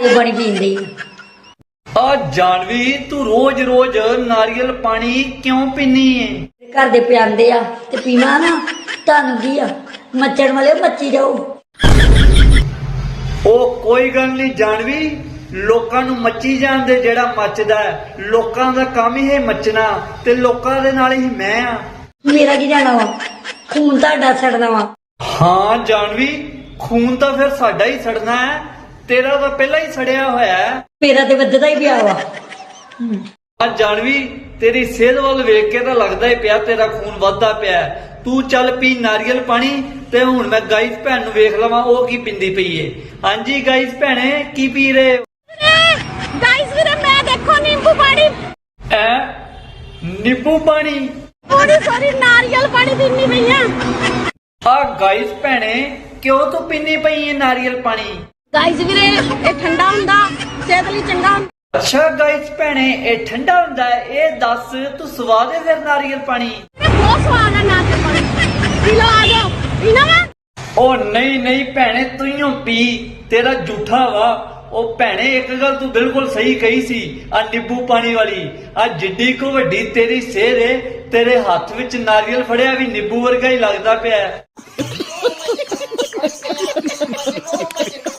पानी पींदी आ जानवी तू रोज रोज नारियल पानी क्यों पीनी है? घर दे पियांदे आ ते पीवा ना तानू की आ मच्छर वाले मच्छी जाओ। ओ कोई गल नहीं जानवी, लोकां नू मच्छी जाणदे जेड़ा मचदा है। लोकां दा काम ही है मचना ते लोकां दे नाल ही मैं आ। मेरा की जाना वा खून ताड़ा सड़दा वा। हाँ जानवी, खून तो फिर साडा ही सड़ना है, तेरा तो पहला ही सड़िया होया है। मेरा ते वधदा ही पिया वा। आ जानवी तेरी सेहत वाल वेख के तो लगदा ही पिया तेरा खून वधदा पिया है। तू चल पी नारियल पानी ते हुण मैं गाइस भैन नू वेख लवां ओ की पिंदी पई है। हां जी गाइस भैणे की पी रहे हो? गाइस वीरे मैं देखो नींबू पानी ऐ नींबू पानी सॉरी नारियल पानी पीनी पई है। आ गाइस भैणे क्यों तू पीनी पई है नारियल पानी? गाइस वीरे ये ठंडा हुंदा सेहत लई चंगा। अच्छा गाइस भैणे ये ठंडा हुंदा है, ये दस तू स्वाद है फिर नारियल पानी? बहुत स्वाद है नारियल पानी, पी लो आ जाओ पीना वा। ओ नहीं नहीं भैणे तू ही पी, तेरा झूठा वा। ओ भैणे एक गल तू बिल्कुल सही कही सी आ नींबू पानी वाली। आ जिड्डी को वड्डी तेरी सेहत है, तेरे हाथ विच नारियल फड़िया भी नींबू वर्गा ही लगदा पिया है।